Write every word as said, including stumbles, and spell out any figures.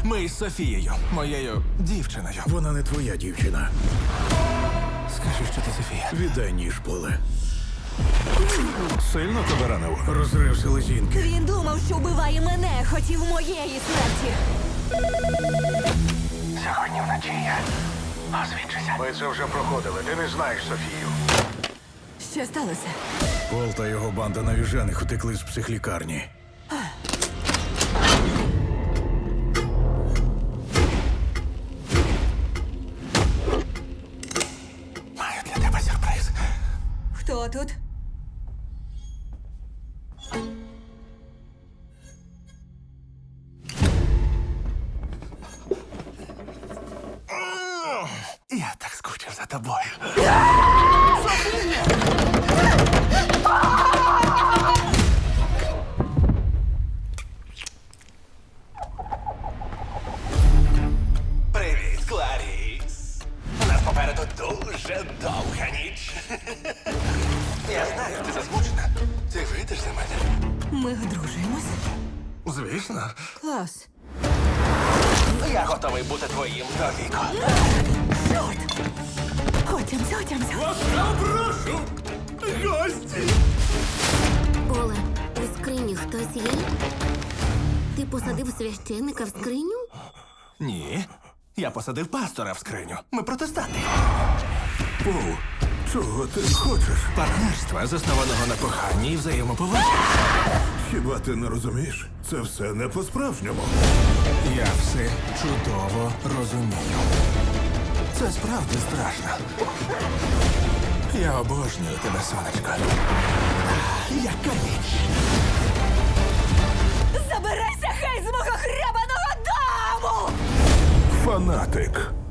Ми із Софією, моєю дівчиною. Вона не твоя дівчина. Скажи, що ти Софія. Віддай ніж, Поле. Сильно тебе ранив? Розрив селезінки. Він думав, що вбиває мене, хотів моєї смерті. Сьогодні вночі я освідчуся. Ми це вже проходили. Ти не знаєш Софію. Що сталося? Пол та його банда навіжених утекли з психлікарні. Маю для тебе сюрприз. Хто тут? Я так скучив за тобою. Привіт, Кларіс. У нас попереду дуже довга ніч. Я знаю, ти засмучена. Ти вийдеш за мене? Ми одружуємось? Звісно. Клас. Я готовий бути твоїм до віку. Чорт! Отямся, отямся. Прошу! Гості! Поле, у скрині хтось є? Ти посадив священника в скриню? Ні. Я посадив пастора в скриню. Ми протестанти. Пол, чого ти хочеш? Партнерства, заснованого на коханні і взаємоповазі. Хіба ти не розумієш? Це все не по-справжньому. Я все чудово розумію. Це справді страшно. Я обожнюю тебе, сонечко. Яка ніч! Забирайся хай з мого хребаного дому! Фанатик.